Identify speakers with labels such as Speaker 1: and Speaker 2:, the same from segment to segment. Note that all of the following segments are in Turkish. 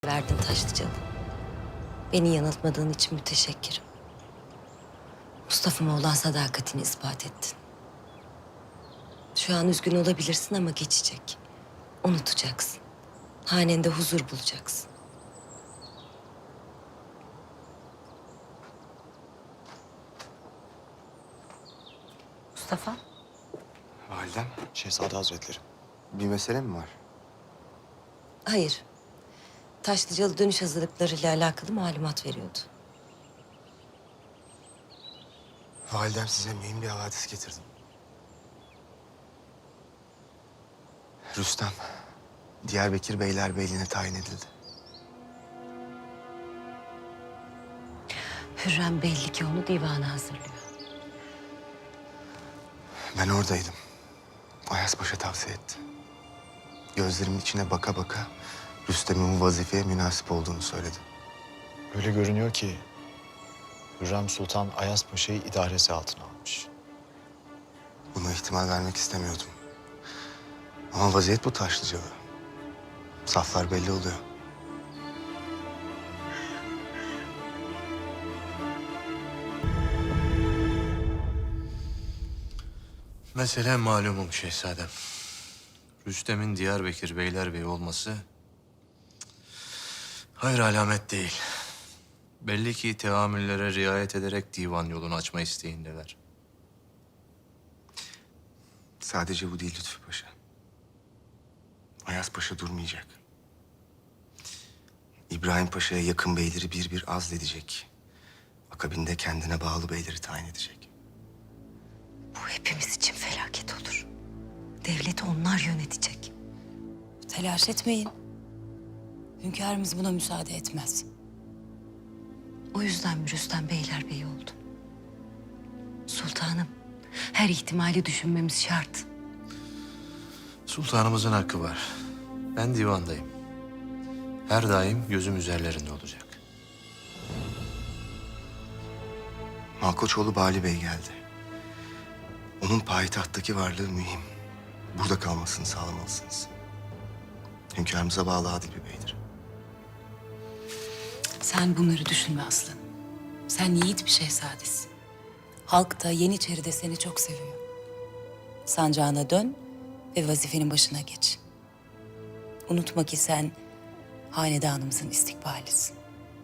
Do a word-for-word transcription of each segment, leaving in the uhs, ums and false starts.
Speaker 1: verdin Taşlıcalı. Beni yanıltmadığın için müteşekkirim. Mustafa'ma olan sadakatini ispat ettin. Şu an üzgün olabilirsin ama geçecek. Unutacaksın. Hanende huzur bulacaksın. Mustafa,
Speaker 2: Validem, Şehzade Hazretleri. Bir mesele mi var?
Speaker 1: hayır. Taşlıcalı dönüş hazırlıklarıyla alakalı malumat veriyordu.
Speaker 2: Validem size mühim bir havadis getirdim. Rüstem, Diyarbakır Beylerbeyliğine tayin edildi.
Speaker 1: Hürrem belli ki onu divana hazırlıyor.
Speaker 2: Ben oradaydım. Ayas Paşa tavsiye etti. Gözlerimin içine baka baka Rüstem'in bu vazifeye münasip olduğunu söyledi.
Speaker 3: Öyle görünüyor ki Hürrem Sultan Ayas Paşa'yı idaresi altına almış.
Speaker 2: Buna ihtimal vermek istemiyordum. Ama vaziyet bu Taşlıcalı. Saflar belli oluyor.
Speaker 4: Mesele malumum şehzadem. Rüstem'in Diyarbakır Beylerbeyi olması hayır alamet değil. Belli ki teamüllere riayet ederek divan yolunu açma isteğindeler.
Speaker 2: Sadece bu değil Lütfü Paşa. Ayas Paşa durmayacak. İbrahim Paşa'ya yakın beyleri bir bir azledecek. Akabinde kendine bağlı beyleri tayin edecek.
Speaker 1: Bu hepimiz için felaket olur. Devleti onlar yönetecek.
Speaker 5: Telaş etmeyin. Hünkârımız buna müsaade etmez.
Speaker 1: O yüzden mi Rüstem Beylerbeyi oldu? Sultanım, her ihtimali düşünmemiz şart.
Speaker 4: Sultanımızın hakkı var. Ben divandayım. Her daim gözüm üzerlerinde olacak.
Speaker 2: Malkoçoğlu Bali Bey geldi. Onun payitahttaki varlığı mühim. Burada kalmasını sağlamalısınız. Hünkârımıza bağlı adil bir beydir.
Speaker 5: Sen bunları düşünme aslanım. Sen yiğit bir şehzadesin. Halk da Yeniçeri'de seni çok seviyor. Sancağına dön ve vazifenin başına geç. Unutma ki sen hanedanımızın istikbalisin.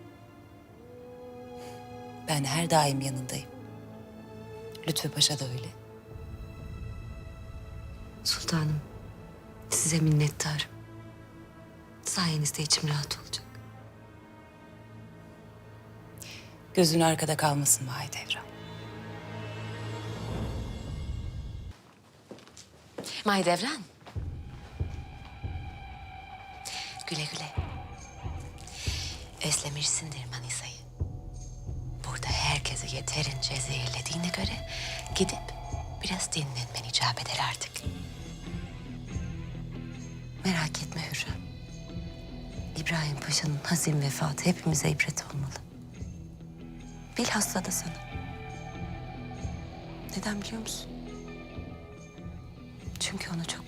Speaker 5: Ben her daim yanındayım. Lütfü Paşa da öyle.
Speaker 1: Sultanım, size minnettarım. Sayenizde içim rahat olacak.
Speaker 5: Gözün arkada kalmasın Mahidevran.
Speaker 1: Mahidevran. Güle güle. Özlemişsindir Manisa'yı. Burada herkesi yeterince zehirlediğine göre gidip biraz dinlenmen icap eder artık. Merak etme Hürrem. İbrahim Paşa'nın hazin vefatı hepimize ibret olmalı. Bilhassa da sana. Neden biliyor musun? Çünkü onu çok